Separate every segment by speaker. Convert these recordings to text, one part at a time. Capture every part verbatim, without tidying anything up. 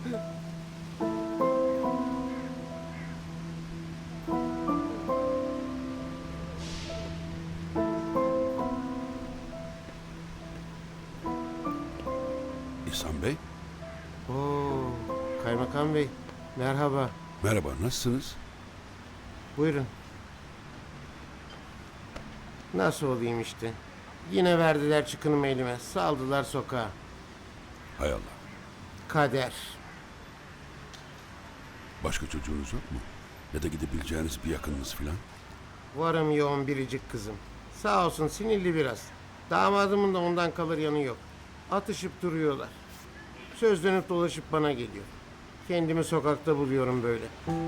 Speaker 1: İhsan Bey,
Speaker 2: Oo, Kaymakam Bey, merhaba.
Speaker 1: merhaba, nasılsınız?
Speaker 2: Buyurun. Nasıl olayım işte. Yine verdiler çıkınımı elime. Saldılar sokağa.
Speaker 1: Hay Allah.
Speaker 2: Kader.
Speaker 1: Başka çocuğunuz yok mu? Ya da gidebileceğiniz bir yakınınız filan?
Speaker 2: Varım yoğun biricik kızım. Sağ olsun sinirli biraz. Damadımın da ondan kalır yanı yok. Atışıp duruyorlar. Söz dönüp dolaşıp bana geliyor. Kendimi sokakta buluyorum böyle.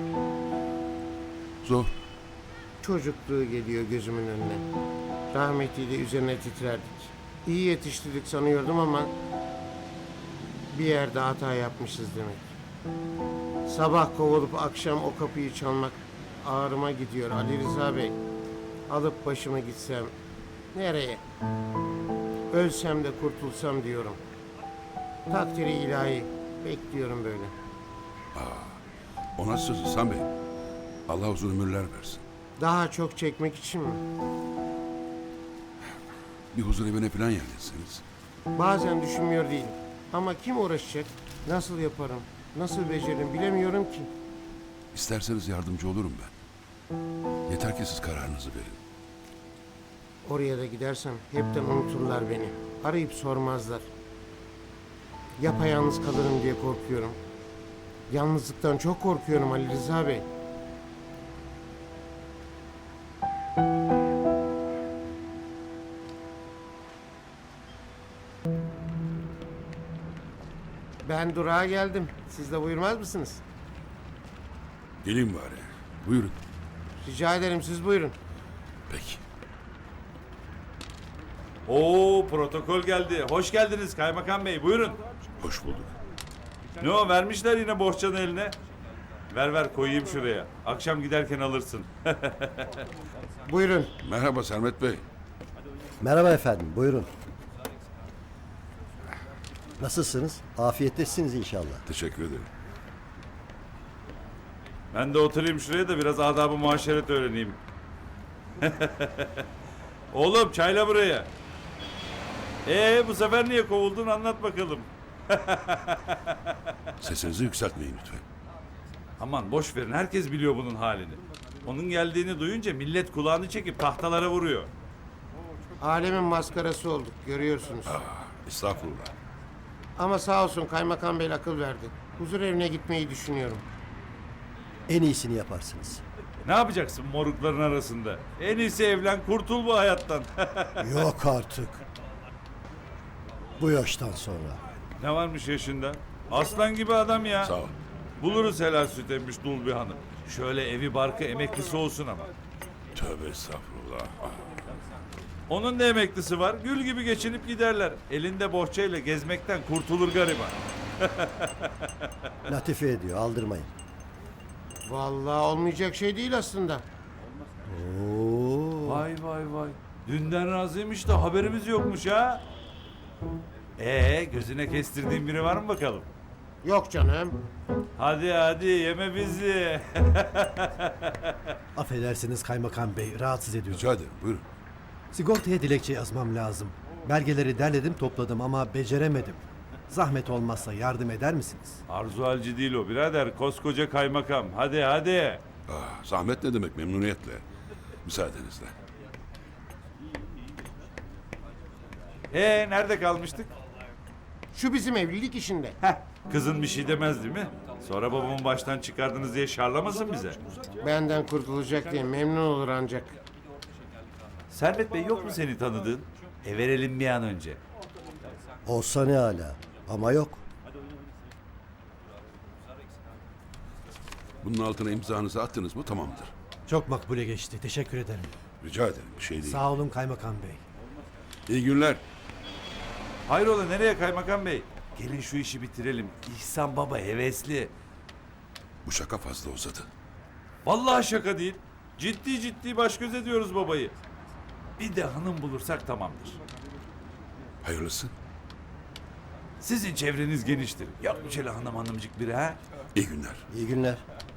Speaker 1: Zor.
Speaker 2: Çocukluğu geliyor gözümün önüne. Rahmetiyle üzerine titrerdik. İyi yetiştirdik sanıyordum ama bir yerde hata yapmışız demek. Sabah kovulup akşam o kapıyı çalmak ağrıma gidiyor Ali Rıza Bey. Alıp başımı gitsem nereye? Ölsem de kurtulsam diyorum. Takdiri ilahi bekliyorum böyle.
Speaker 1: O nasıl söz İhsan Bey? Allah uzun ömürler versin.
Speaker 2: Daha çok çekmek için mi?
Speaker 1: Bir huzur evine filan yerleşseniz.
Speaker 2: Bazen düşünmüyor değilim. Ama kim uğraşacak? Nasıl yaparım? Nasıl beceririm bilemiyorum ki.
Speaker 1: İsterseniz yardımcı olurum ben. Yeter ki siz kararınızı verin.
Speaker 2: Oraya da gidersem hepten unuturlar beni. Arayıp sormazlar. Yapayalnız kalırım diye korkuyorum. Yalnızlıktan çok korkuyorum Ali Rıza Bey. Ben durağa geldim. Siz de buyurmaz mısınız?
Speaker 1: Gelin bari. Buyurun.
Speaker 2: Rica ederim siz buyurun.
Speaker 1: Peki.
Speaker 3: Oo, protokol geldi. Hoş geldiniz Kaymakam Bey. Buyurun.
Speaker 1: Hoş bulduk.
Speaker 3: Ne o, vermişler yine bohçanı eline. Ver ver koyayım şuraya. Akşam giderken alırsın.
Speaker 2: Buyurun.
Speaker 1: Merhaba Sermet Bey.
Speaker 4: Merhaba efendim, buyurun. Nasılsınız? Afiyettesiniz inşallah.
Speaker 1: Teşekkür ederim.
Speaker 3: Ben de oturayım şuraya da biraz adab-ı muaşeret öğreneyim. Oğlum çayla buraya. Ee bu sefer niye kovuldun, anlat bakalım.
Speaker 1: Sesinizi yükseltmeyin lütfen.
Speaker 3: Aman boş verin, herkes biliyor bunun halini. Onun geldiğini duyunca millet kulağını çekip tahtalara vuruyor.
Speaker 2: Alemin maskarası olduk görüyorsunuz.
Speaker 1: Estağfurullah.
Speaker 2: Ama sağ olsun Kaymakam Bey akıl verdi. Huzur evine gitmeyi düşünüyorum.
Speaker 4: En iyisini yaparsınız.
Speaker 3: Ne yapacaksın morukların arasında? En iyisi evlen, kurtul bu hayattan.
Speaker 4: Yok artık. Bu yaştan sonra.
Speaker 3: Ne varmış yaşında? Aslan gibi adam ya.
Speaker 1: Sağ ol.
Speaker 3: Buluruz helal süt emmiş dul bir hanım. Şöyle evi barkı emeklisi olsun ama.
Speaker 1: Tövbe estağfurullah. Ah,
Speaker 3: Onun da emeklisi var. Gül gibi geçinip giderler. Elinde bohçayla gezmekten kurtulur gariban.
Speaker 4: Latife ediyor, aldırmayın.
Speaker 2: Vallahi olmayacak şey değil aslında.
Speaker 4: Oo.
Speaker 3: Vay vay vay. Dünden razıymış da haberimiz yokmuş ha. Ee gözüne kestirdiğin biri var mı bakalım?
Speaker 2: Yok canım.
Speaker 3: Hadi hadi yeme bizi.
Speaker 5: Affedersiniz Kaymakam Bey, rahatsız ediyorum.
Speaker 1: rica ederim, buyurun.
Speaker 5: Sigortaya dilekçe yazmam lazım. Belgeleri derledim topladım ama beceremedim. Zahmet olmazsa yardım eder misiniz?
Speaker 3: Arzu halci değil o birader. Koskoca kaymakam. Hadi hadi.
Speaker 1: Ah, zahmet ne demek, memnuniyetle. Müsaadenizle.
Speaker 3: Ee nerede kalmıştık?
Speaker 2: Şu bizim evlilik işinde.
Speaker 3: Heh, kızın bir şey demez değil mi? Sonra babamı baştan çıkardınız diye şarlamasın bize.
Speaker 2: Benden kurtulacak diye memnun olur ancak.
Speaker 3: Servet Bey yok mu seni tanıdığın? E verelim bir an önce.
Speaker 4: Olsa ne hala. Ama yok.
Speaker 1: Bunun altına imzanızı attınız mı tamamdır.
Speaker 5: Çok makbule geçti, teşekkür ederim.
Speaker 1: Rica ederim, bir şey değil.
Speaker 5: Sağ olun Kaymakam Bey.
Speaker 1: İyi günler.
Speaker 3: Hayrola nereye kaymakam bey? Gelin şu işi bitirelim. İhsan baba hevesli.
Speaker 1: Bu şaka fazla uzadı.
Speaker 3: Vallahi şaka değil. Ciddi ciddi baş göz ediyoruz babayı. Bir de hanım bulursak tamamdır.
Speaker 1: Hayırlısı.
Speaker 3: Sizin çevreniz geniştir. Yok mu şöyle hanım hanımcık biri ha?
Speaker 1: İyi günler.
Speaker 4: İyi günler.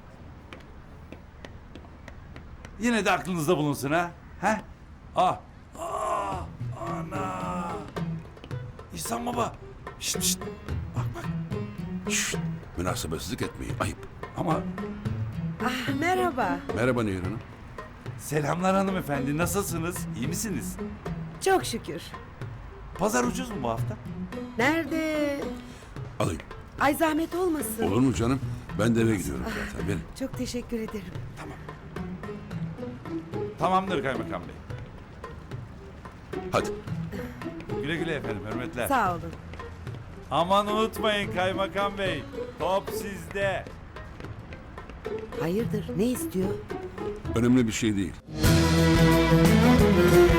Speaker 3: Yine de aklınızda bulunsun ha? Ha? Ah! Ah! Ana! İhsan baba! Şşt şşt! Bak bak!
Speaker 1: Şşt, münasebetsizlik etmeyin. Ayıp.
Speaker 3: Ama
Speaker 6: Ah, merhaba.
Speaker 1: Merhaba Nehir Hanım.
Speaker 3: selamlar hanımefendi. Nasılsınız? İyi misiniz?
Speaker 6: Çok şükür.
Speaker 3: Pazar ucuz mu bu hafta?
Speaker 6: Nerede?
Speaker 1: Alayım.
Speaker 6: Ay zahmet olmasın.
Speaker 1: Olur mu canım? Ben de eve gidiyorum zaten. Verin.
Speaker 6: Çok teşekkür ederim.
Speaker 3: Tamamdır kaymakam bey.
Speaker 1: Hadi.
Speaker 3: Güle güle efendim. Hürmetler.
Speaker 6: Sağ olun.
Speaker 3: Aman unutmayın kaymakam bey. Top sizde.
Speaker 6: Hayırdır? Ne istiyor?
Speaker 1: Önemli bir şey değil.